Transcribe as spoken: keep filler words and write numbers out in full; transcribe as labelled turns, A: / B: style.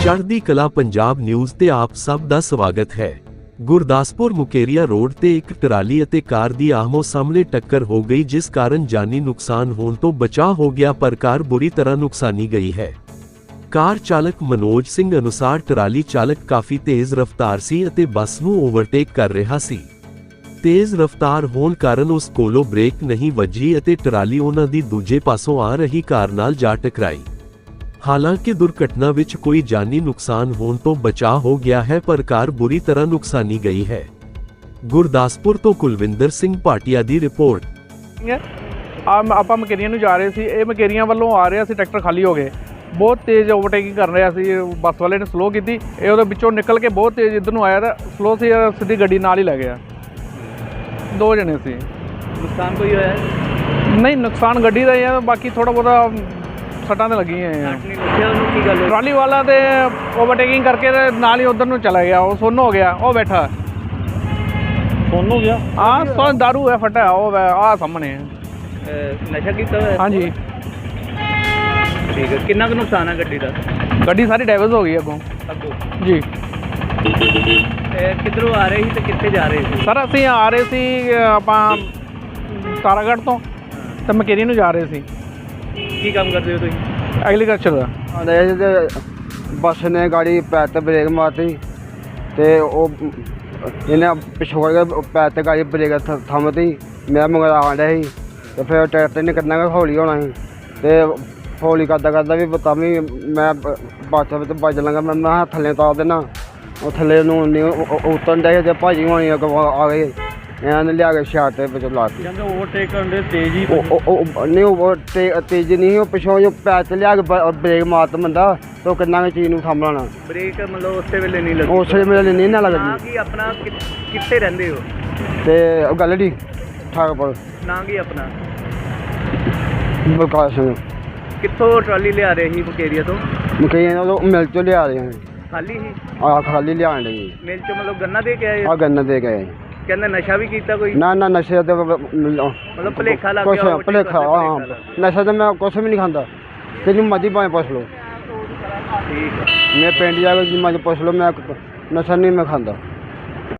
A: ਚੜ੍ਹਦੀ ਕਲਾ ਪੰਜਾਬ ਨਿਊਜ਼ ਤੇ ਆਪ ਸਭ ਦਾ ਸਵਾਗਤ ਹੈ। ਗੁਰਦਾਸਪੁਰ ਮੁਕੇਰੀਆ ਰੋਡ ਤੇ ਇੱਕ ਟਰਾਲੀ ਅਤੇ ਕਾਰ ਦੀ ਆਹਮੋ ਸਾਹਮਣੇ ਟੱਕਰ ਹੋ ਗਈ, ਜਿਸ ਕਾਰਨ ਜਾਨੀ ਨੁਕਸਾਨ ਹੋਣ ਤੋਂ ਬਚਾਅ ਹੋ ਗਿਆ, ਪਰ ਕਾਰ ਬੁਰੀ ਤਰ੍ਹਾਂ ਨੁਕਸਾਨੀ ਗਈ ਹੈ। ਕਾਰ ਚਾਲਕ ਮਨੋਜ ਸਿੰਘ ਅਨੁਸਾਰ ਟਰਾਲੀ ਚਾਲਕ ਕਾਫੀ ਤੇਜ਼ ਰਫ਼ਤਾਰ ਸੀ ਅਤੇ ਬੱਸ ਨੂੰ ਓਵਰਟੇਕ ਕਰ ਰਿਹਾ ਸੀ। ਤੇਜ਼ ਰਫ਼ਤਾਰ ਹੋਣ ਕਾਰਨ ਉਸ ਕੋਲੋਂ ਬ੍ਰੇਕ ਨਹੀਂ ਵੱਜੀ ਅਤੇ ਟਰਾਲੀ ਉਹਨਾਂ ਦੀ ਦੂਜੇ ਪਾਸੋਂ ਆ ਰਹੀ ਕਾਰ ਨਾਲ ਜਾ ਟਕਰਾਈ। ਹਾਲਾਂਕਿ ਦੁਰਘਟਨਾ ਵਿੱਚ ਕੋਈ ਜਾਨੀ ਨੁਕਸਾਨ ਹੋਣ ਤੋਂ ਬਚਾਅ ਹੋ ਗਿਆ ਹੈ, ਪਰ ਕਾਰ ਬੁਰੀ ਤਰ੍ਹਾਂ ਨੁਕਸਾਨੀ ਗਈ ਹੈ। ਗੁਰਦਾਸਪੁਰ ਤੋਂ ਕੁਲਵਿੰਦਰ ਸਿੰਘ ਭਾਟੀਆ ਦੀ ਰਿਪੋਰਟ।
B: ਆਪਾਂ ਮਕੇਰੀਆਂ ਨੂੰ ਜਾ ਰਹੇ ਸੀ, ਇਹ ਮਕੇਰੀਆਂ ਵੱਲੋਂ ਆ ਰਿਹਾ ਸੀ, ਟਰੈਕਟਰ ਖਾਲੀ ਹੋ ਗਏ, ਬਹੁਤ ਤੇਜ਼ ਓਵਰਟੇਕਿੰਗ ਕਰ ਰਿਹਾ ਸੀ। ਬੱਸ ਵਾਲੇ ਨੇ ਸਲੋ ਕੀਤੀ, ਇਹ ਉਹਦੇ ਵਿੱਚੋਂ ਨਿਕਲ ਕੇ ਬਹੁਤ ਤੇਜ਼ ਇੱਧਰ ਨੂੰ ਆਇਆ ਤਾਂ ਸਲੋ ਸੀ, ਸਿੱਧੀ ਗੱਡੀ ਨਾਲ ਹੀ ਲੈ ਗਿਆ। ਦੋ ਜਣੇ ਸੀ।
C: ਨੁਕਸਾਨ ਕੋਈ ਹੋਇਆ?
B: ਨਹੀਂ, ਨੁਕਸਾਨ ਗੱਡੀ ਦਾ ਹੀ ਆ, ਬਾਕੀ ਥੋੜਾ ਬਹੁਤਾ ਸੱਟਾਂ ਤੇ ਲੱਗੀਆਂ ਆ।
C: ਕੀ ਗੱਲ?
B: ਟਰਾਲੀ ਵਾਲਾ ਤੇ ਓਵਰਟੇਕਿੰਗ ਕਰਕੇ ਤੇ ਨਾਲ ਹੀ ਉਧਰ ਨੂੰ ਚਲਾ ਗਿਆ, ਉਹ ਸੁੰਨ ਹੋ ਗਿਆ, ਉਹ ਬੈਠਾ
C: ਸੁੰਨ ਹੋ ਗਿਆ।
B: ਹਾਂ, ਸੁੰਨ ਦਾਰੂ ਹੈ ਫਟਿਆ, ਉਹ ਆ ਸਾਹਮਣੇ
C: ਨਸ਼ਾ ਕੀਤਾ ਹੋਇਆ?
B: ਹਾਂਜੀ।
C: ਠੀਕ ਹੈ, ਕਿੰਨਾ ਕੁ ਨੁਕਸਾਨ ਹੈ ਗੱਡੀ ਦਾ?
B: ਗੱਡੀ ਸਾਰੀ ਡੈਮੇਜ ਹੋ ਗਈ ਅੱਗੋਂ।
C: ਅੱਗੋਂ
B: ਜੀ।
C: ਕਿੱਧਰੋਂ ਆ ਰਹੇ ਸੀ ਤੇ ਕਿੱਥੇ ਜਾ ਰਹੇ ਸੀ?
B: ਸਰ ਅਸੀਂ ਆ ਰਹੇ ਸੀ ਆਪਾਂ ਤਾਰਾਗੜ੍ਹ ਤੋਂ ਤੇ ਮਕੇਰੀ ਨੂੰ ਜਾ ਰਹੇ ਸੀ।
C: ਕੀ ਕੰਮ ਕਰਦੇ ਹੋ ਤੁਸੀਂ?
B: ਐਗਰੀਕਲਚਰ ਦਾ।
D: ਆਉਂਦੇ ਤੇ ਬੱਸ ਨੇ ਗਾੜੀ ਪੈਰ 'ਤੇ ਬ੍ਰੇਕ ਮਾਰਤੀ ਅਤੇ ਉਹ ਇਹਨੇ ਪਿਛੋੜ ਕੇ ਪੈਰ 'ਤੇ ਗਾੜੀ ਬ੍ਰੇਕ ਥੰਮਤੀ। ਮੈਂ ਮਗਰ ਆਉਣ ਡਿਆ ਸੀ ਅਤੇ ਫਿਰ ਟਰੈਕਟਰ ਨੇ ਕਿੰਨਾ ਕੁ ਹੌਲੀ ਹੋਣਾ ਸੀ ਅਤੇ ਹੌਲੀ ਕਰਦਾ ਕਰਦਾ ਵੀ ਤਾਂ ਵੀ ਮੈਂ ਬੱਸ ਵਿੱਚ ਵੱਜ ਲਾਂਗਾ। ਮੈਂ ਮੈਂ ਥੱਲੇ ਉਤਾਰ ਦੇਣਾ, ਉਹ ਥੱਲੇ ਨੂੰ ਨਹੀਂ ਉਤਰਨ ਡਿਆ ਅਤੇ ਭਾਜੀ ਹੋਣੀ ਆ ਗਏ, ਇਹਨਾਂ ਨੇ ਲਿਆ ਕੇ ਸ਼ਾਟ ਦੇ ਵਿੱਚ ਲਾ ਦਿੱਤੀ।
C: ਕਹਿੰਦੇ ਓਵਰਟੇਕ ਕਰਨ ਦੇ ਤੇਜ਼ ਹੀ
D: ਨਹੀਂ, ਉਹ ਤੇਜ਼ ਨਹੀਂ, ਉਹ ਪਿਛੋਂ ਜੋ ਪੈਰ 'ਤੇ ਲਿਆ ਕੇ ਬ੍ਰੇਕ ਮਾਰਤਾ ਬੰਦਾ, ਤਾਂ ਉਹ ਕਿੰਨਾ ਕੁ ਚੀਜ਼ ਨੂੰ ਥੰਮ ਲੈਣਾ।
C: ਬ੍ਰੇਕ ਮਤਲਬ ਉਸੇ ਵੇਲੇ ਨਹੀਂ ਲੱਗੀ?
D: ਉਸੇ ਵੇਲੇ ਨਹੀਂ ਨਾ ਲੱਗਦੀ।
C: ਕੀ ਆਪਣਾ ਕਿੱਥੇ ਰਹਿੰਦੇ ਹੋ?
D: ਅਤੇ ਉਹ ਗੱਲ ਜੀ ਠਾਕਪੁਰ।
C: ਨਾਂ ਕੀ ਆਪਣਾ?
D: ਬਲਕਾਰ ਸਿੰਘ।
C: ਕਿੱਥੋਂ ਟਰਾਲੀ ਲਿਆ ਰਹੇ ਸੀ ਮੁਕੇਰੀਆ ਤੋਂ?
D: ਮਕਈਆਂ ਉਹ ਮਿਲ 'ਚੋਂ ਲਿਆ ਰਹੇ ਹਾਂ।
C: ਖਾਲੀ ਸੀ?
D: ਆਹ ਖਾਲੀ ਲਿਆਉਣ ਲਈ
C: ਮਿਲ 'ਚੋਂ ਮਤਲਬ ਗੰਨਾ ਦੇ ਕੇ ਆਏ?
D: ਆਹ ਗੰਨ ਦੇ ਗਏ।
C: ਕਹਿੰਦੇ ਨਸ਼ਾ ਵੀ ਕੀਤਾ ਕੋਈ?
D: ਨਾ ਨਾ, ਨਸ਼ੇ ਤੇ
C: ਮਤਲਬ ਭੁਲੇਖਾ ਲੱਗ
D: ਕੁਛ
C: ਗਿਆ?
D: ਭੁਲੇਖਾ, ਹਾਂ। ਨਸ਼ਾ ਤਾਂ ਮੈਂ ਕੁਛ ਵੀ ਨਹੀਂ ਖਾਂਦਾ, ਤੈਨੂੰ ਮਰਜ਼ੀ ਭਾਵੇਂ ਪੁੱਛ ਲਓ।
C: ਠੀਕ ਹੈ।
D: ਮੈਂ ਪਿੰਡ ਜਾ ਕੇ ਮਰਜ਼ੀ ਪੁੱਛ ਲਓ, ਮੈਂ ਨਸ਼ਾ ਨਹੀਂ ਮੈਂ ਖਾਂਦਾ।